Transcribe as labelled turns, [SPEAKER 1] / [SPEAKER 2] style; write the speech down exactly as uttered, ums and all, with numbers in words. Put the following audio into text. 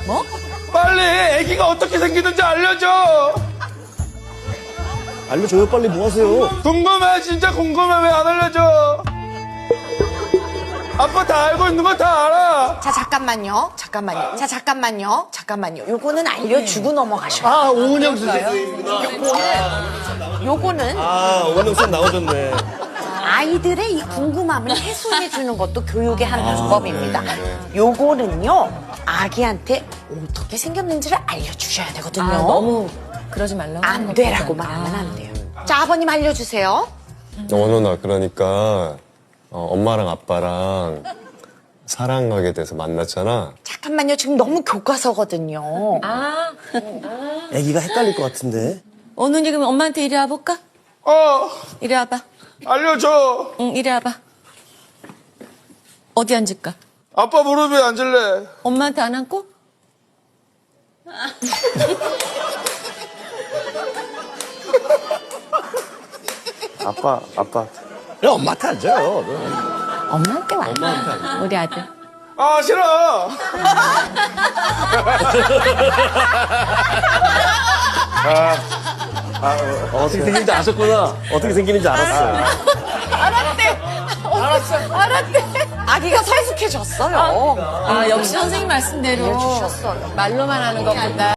[SPEAKER 1] 뭐?
[SPEAKER 2] 빨리 애기가 어떻게 생기는지 알려줘.
[SPEAKER 3] 알려줘요, 빨리 뭐 하세요?
[SPEAKER 2] 궁금해, 진짜 궁금해. 왜 안 알려줘? 아빠 다 알고 있는 거 다 알아.
[SPEAKER 1] 자, 잠깐만요. 잠깐만요. 자, 잠깐만요. 잠깐만요. 요거는 알려주고 넘어가셔요.
[SPEAKER 3] 아, 오은영 선생님.
[SPEAKER 1] 요거는
[SPEAKER 3] 아, 오은영 선생님 나오셨네.
[SPEAKER 1] 아이들의 이 궁금함을 해소해주는 것도 교육의 한 방법입니다. 요거는요, 아기한테 어떻게 생겼는지를 알려주셔야 되거든요.
[SPEAKER 4] 아, 너무 그러지 말라고. 하는
[SPEAKER 1] 안
[SPEAKER 4] 것
[SPEAKER 1] 돼라고
[SPEAKER 4] 같아요.
[SPEAKER 1] 말하면 안 돼요. 자, 아버님 알려주세요.
[SPEAKER 5] 어, 누나, 그러니까 어, 엄마랑 아빠랑 사랑하게 돼서 만났잖아.
[SPEAKER 1] 잠깐만요. 지금 너무 교과서거든요.
[SPEAKER 4] 아,
[SPEAKER 3] 애기가 헷갈릴 것 같은데.
[SPEAKER 4] 오늘 지금 엄마한테 이리 와볼까?
[SPEAKER 2] 어,
[SPEAKER 4] 이리 와봐.
[SPEAKER 2] 알려줘.
[SPEAKER 4] 응, 이리 와봐. 어디 앉을까?
[SPEAKER 2] 아빠 무릎에 앉을래.
[SPEAKER 4] 엄마한테 안 앉고?
[SPEAKER 3] 아빠, 아빠. 야, 엄마한테 앉아요.
[SPEAKER 1] 엄마한테 와.
[SPEAKER 4] 우리 아들.
[SPEAKER 2] 아, 싫어.
[SPEAKER 3] 어떻게 생긴지 아셨구나. 어떻게 생기는지 알았어요.
[SPEAKER 1] 아기가 성숙해졌어요.
[SPEAKER 4] 아, 역시 선생님 말씀대로
[SPEAKER 1] 알려주셨어요.
[SPEAKER 4] 말로만 하는 것보다